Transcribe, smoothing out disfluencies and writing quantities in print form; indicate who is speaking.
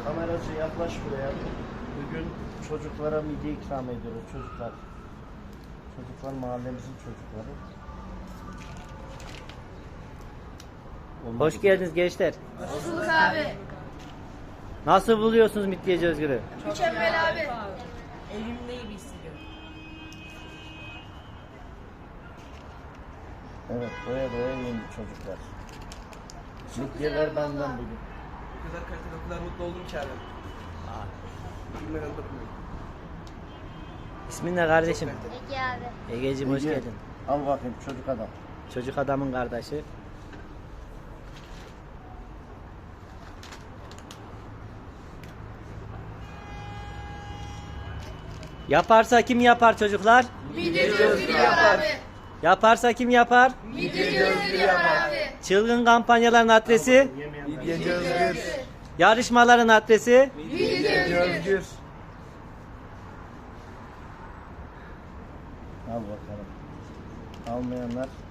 Speaker 1: Kameracı yaklaş buraya. Bugün çocuklara midye ikram ediyoruz çocuklar. Çocuklar mahallemizin çocukları.
Speaker 2: Hoş geldiniz gençler.
Speaker 3: Hoş bulduk abi.
Speaker 2: Nasıl buluyorsunuz Midyeci Özgür'ü?
Speaker 3: Mükemmel abi.
Speaker 4: Evimde gibi hissediyorum.
Speaker 1: Evet, doya doya yiyin çocuklar. Midyeler benden bugün.
Speaker 5: O kadar kaliteli, o kadar mutlu oldum ki abi. Bilmeden dokunmuyorum.
Speaker 2: İsmin ne kardeşim?
Speaker 3: Ege abi.
Speaker 2: Egeciğim hoş
Speaker 1: Ege,
Speaker 2: geldin.
Speaker 1: al bakayım çocuk adam.
Speaker 2: Çocuk adamın kardeşi. Yaparsa kim yapar çocuklar?
Speaker 3: Midyeci Özgür yapar abi.
Speaker 2: Yaparsa kim yapar?
Speaker 3: Midyeci Özgür yapar abi.
Speaker 2: Çılgın kampanyaların adresi,
Speaker 5: Midyeci Özgür.
Speaker 2: yarışmaların adresi.
Speaker 3: Midyeci Özgür.
Speaker 1: Al bakalım. Almayanlar